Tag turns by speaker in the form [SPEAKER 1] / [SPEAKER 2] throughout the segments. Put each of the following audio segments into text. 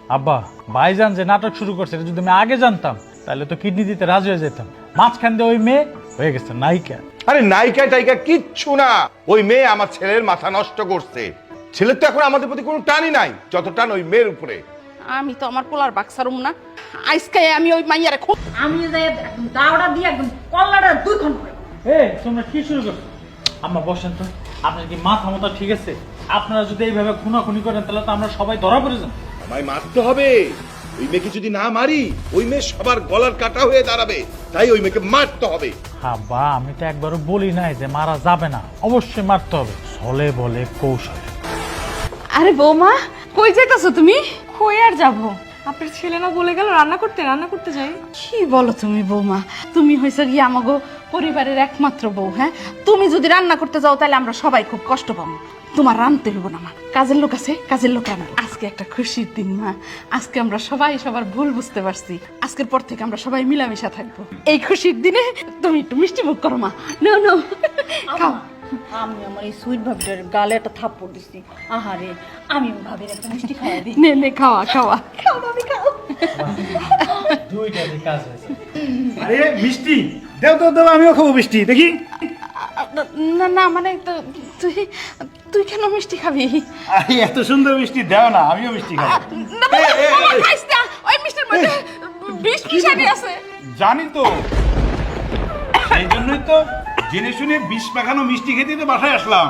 [SPEAKER 1] আব্বা ভাইজান যে নাটক শুরু করছে এটা যদি আমি আগে জানতাম তাহলে তো কিডনি দিতে রাজি হয়ে যেতাম। মাঝখান দিয়ে ওই মেয়ে হয়ে গেছে নায়িকা।
[SPEAKER 2] আরে নায়িকা টাইকা কিচ্ছু না, ওই মেয়ে আমার ছেলের মাথা নষ্ট করছে। ছেলের তো এখন আমাদের প্রতি কোনো টানই নাই যত টান ওই মেয়ের উপরে।
[SPEAKER 3] আমি তো আমার পোলার বাক্সারুম না, আজকে আমি ওই মাইয়ারে খুব
[SPEAKER 4] আমি যে একদম দাওড়া দিয়ে একদম কল্লাটা 2 ঘন্টা করে।
[SPEAKER 1] এই তোমরা কি শুরু করছো? আম্মা বসেন তো, আপনার কি মাথা মতো ঠিক আছে? আপনারা যদি এইভাবে খুনাখুনি করেন তাহলে তো আমরা সবাই ধরা পড়ে যাব।
[SPEAKER 2] আমায় মারতে হবে, ওই মেয়েকে যদি না মারি ওই মেয়ে সবার গলার কাটা হয়ে দাঁড়াবে, তাই ওই মেয়েকে মারতে হবে।
[SPEAKER 1] আব্বা আমি তো একবারও বলি নাই যে মারা যাবে না, অবশ্যই মারতে হবে, ছলে বলে কৌশল।
[SPEAKER 3] আরে বৌমা কই যাইতাছো তুমি?
[SPEAKER 5] কই আর যাবো, আপনার ছেলে না বলে গেল রান্না করতে যাই।
[SPEAKER 3] কি বলো তুমি বৌমা, তুমি হইছো কি আমাগো পরিবারের একমাত্র বউ। হ্যাঁ, তুমি যদি রান্না করতে যাও তাহলে আমরা সবাই খুব কষ্ট পাবো। তোমার রাঁধতে হইব না মা, কাজের লোক আছে, কাজের লোক রান্না। আজকে একটা খুশির দিন মা, আজকে আমরা সবাই সবার ভুল বুঝতে পারছি। আজকের পর থেকে আমরা সবাই মিলামিশা থাকবো। এই খুশির দিনে তুমি একটু মিষ্টি মুখ করো মা। নো নো খাও।
[SPEAKER 4] আমি আমার এই সুইট ভাবিটার গালে একটা থাপ্পড় দিছি। আহারে, আমি ভাবির একটা মিষ্টি খাওয়াই দিই।
[SPEAKER 3] নে নে খাওয়া খাওয়া।
[SPEAKER 4] খাও ভাবি খাও।
[SPEAKER 1] দুইটা কাজ হয়েছে।
[SPEAKER 6] আরে মিষ্টি দেও তো দেও, আমিও খাবো মিষ্টি দেখি।
[SPEAKER 3] না না মানে তুই তুই কেন মিষ্টি খাবি?
[SPEAKER 6] আরে এত সুন্দর মিষ্টি দেও না, আমিও মিষ্টি খাবো।
[SPEAKER 3] না বাবা, বাবা, খাইস না। ওই মিষ্টির মধ্যে বিষ মিশানি আছে।
[SPEAKER 6] জানি তো, সেই জন্যই তো জেনে শুনে বিষ মাখানো মিষ্টি খেতে তো বাসায় আসলাম।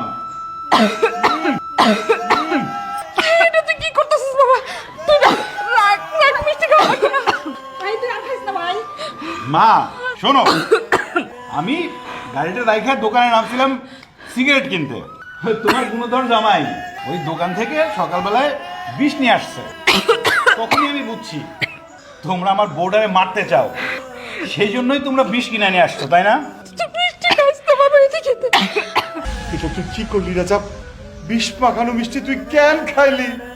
[SPEAKER 3] এটা তুই কি করতেছিস বাবা? তুই না রাখ রাখ, মিষ্টি খাওয়া লাগবে না।
[SPEAKER 4] ভাই তুই আর খাইস না ভাই।
[SPEAKER 6] মা শোনো, আমি গাড়িটা রাইখা দোকানে নামছিলাম সিগারেট কিনতে। তোমার গুণধর জামাই ওই দোকান থেকে সকালবেলায় বিষ নিয়ে আসছে। তখনই আমি বুঝছি তোমরা আমার বোর্ডারে মারতে চাও, সেই জন্যই তোমরা বিষ কিনে নিয়ে আসছো, তাই না?
[SPEAKER 3] তুই মিষ্টি খাইস না বাবা, এটা খেতে।
[SPEAKER 2] এটা তুই কি করলি রাজা? বিষ মাখানো মিষ্টি তুই কেন খাইলি?